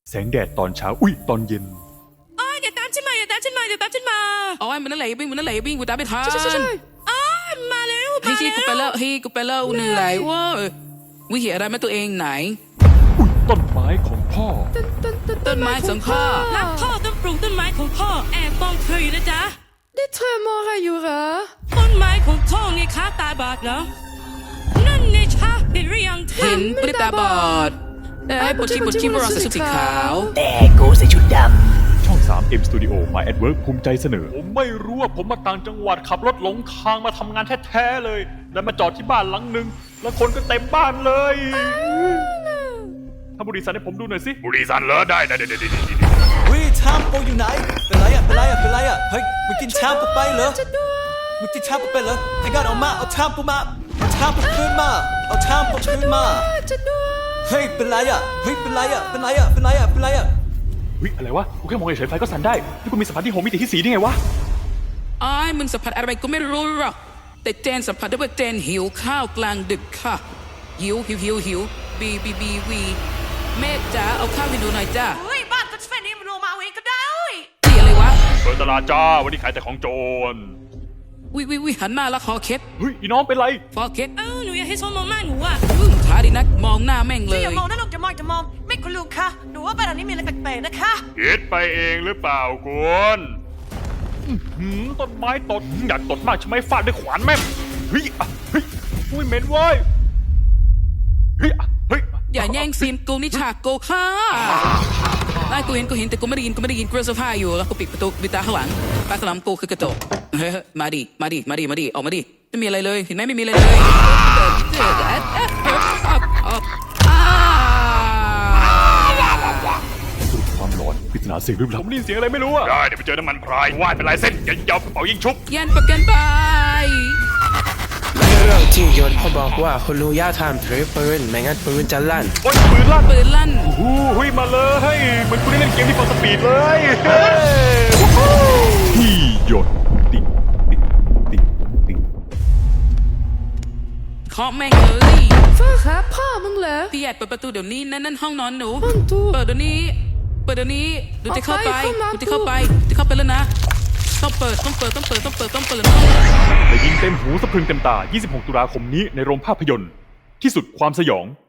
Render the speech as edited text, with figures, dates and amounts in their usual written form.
แสงแดดตอนเช้าอุ้ยตอนเย็นอย่าตามฉันมาอย่าตามฉันมาอย่าตามฉันมาโอ้ยมันนั่นแหละวิ่งมันนั่นแหละวิ่งกูตามไม่ทันมาเร็วเฮ้ยกูไปแล้วเฮ้ยกูไปแล้วเหนื่อยเว้ยวิเหตุอะไรมาตัวเองไหนอุ้ยต้นไม้ของพ่อต้นไม้ของพ่อรักพ่อต้องปลูกต้นไม้ของพ่อแอบมองเธออยู่นะจ๊ะนี่เธอมองอะไรอยู่เหรอต้นไม้ของพ่อไงคะตาบอดเหรอนั่นไงคะเห็นหรือยังเห็นปริตาบอดปวดชีพวกเราใส่ชุดสีขาวแต่กูใส่ชุดดำช่อง 3M Studio My at Work ภูมิใจเสนอผมไม่รู้ว่าผมมาต่างจังหวัดขับรถหลงทางมาทำงานแท้ๆเลยแล้วมาจอดที่บ้านหลังนึงแล้วคนก็เต็มบ้านเลยถ้าบุรีสันให้ผมดูหน่อยสิบุรีสันเหรอได้วิชามโปอยู่ไหนเป็นไรอะเฮ้ยมึงกินชามกูไปเหรอมึงกินชามกูไปเหรอไอ้ก้อนเอามาเอาชามกูมาเอาชามกูคืนมาเอาชามกูคืนมาเฮ้ยเป็นไรอะเฮ้ยเป็นไรอะเฮ้ยอะไรวะกูแค่มองเฉยๆไฟก็สั่นได้นี่กูมีสัมผัสที่6มิติที่4ได้ไงวะอ้ายมึงสัมผัสอะไรก็ไม่รู้หรอกแต่เจนสัมผัสได้ว่าเจนหิวข้าวกลางดึกค่ะหิวบีเมฆจ๋าเอาข้าวให้ดูหน่อยจ้าเฮ้ยบ้านก็แค่นี้มันลงมาเองก็ได้นี่อะไรวะเปิดตลาดจ้าวันนี้ขายแต่ของโจรวิหันมาแล้วคอเคล็ดเฮ้ยอีน้องเป็นไรคอเคล็ดหนูอยากให้ชมมองหน้าหนูอ่ะท้าดีนักมองหน้าแม่งเลยอย่ามองนะลูกอย่ามองไม่คุณลุงคะหนูว่าบ้านหลังนี้มีอะไรแปลกๆนะคะคิดไปเองหรือเปล่าคุณต้นไม้ตดอยากตดมากใช่ไหมฟาดด้วยขวานแม่เฮ้ยเหม็นเว้ยเฮ้ยอย่าแย่งซีนกูนี่ฉากกูค่ะได้กูเห็นแต่กูไม่ได้ยินกูเสื้อผ้าอยู่แล้วกูปิดประตูปิดตาข้างหลังปากกระลำกูคือกระจกเฮ้ยมาดิออกมาดิไม่มีอะไรเลยเห็นไหมไม่มีอะไรเลยความร้อนปริศนาเสียงลึกลับผมได้ยินเสียงอะไรไม่รู้อะได้เดี๋ยวไปเจอน้ำมันพรายว่ายเป็นลายเส้นยันยาวกระเป๋ายิงชุบยันประกันไปเรื่องที่ยนต์เขาบอกว่าคุณลุงย่าทำถือปืนไม่งั้นปืนจะลั่นโอ้ยปืนลั่นหุ้ยมาเลยเหมือนคุณได้เล่นเกมที่ฟอร์สปีดเลยที่ยนต์ติ๊งเคาะแม่งเลยฟ้าครับพ่อมึงเหรอพี่ใหญ่เปิดประตูเดี๋ยวนี้นั่นห้องนอนหนูห้องตู้เปิดเดี๋ยวนี้ดูจะเข้าไปแล้วนะต้องเปิดแต่ยิงเต็มหูสะพรึงเต็มตา26 ตุลาคมนี้ในโรงภาพยนตร์ที่สุดความสยอง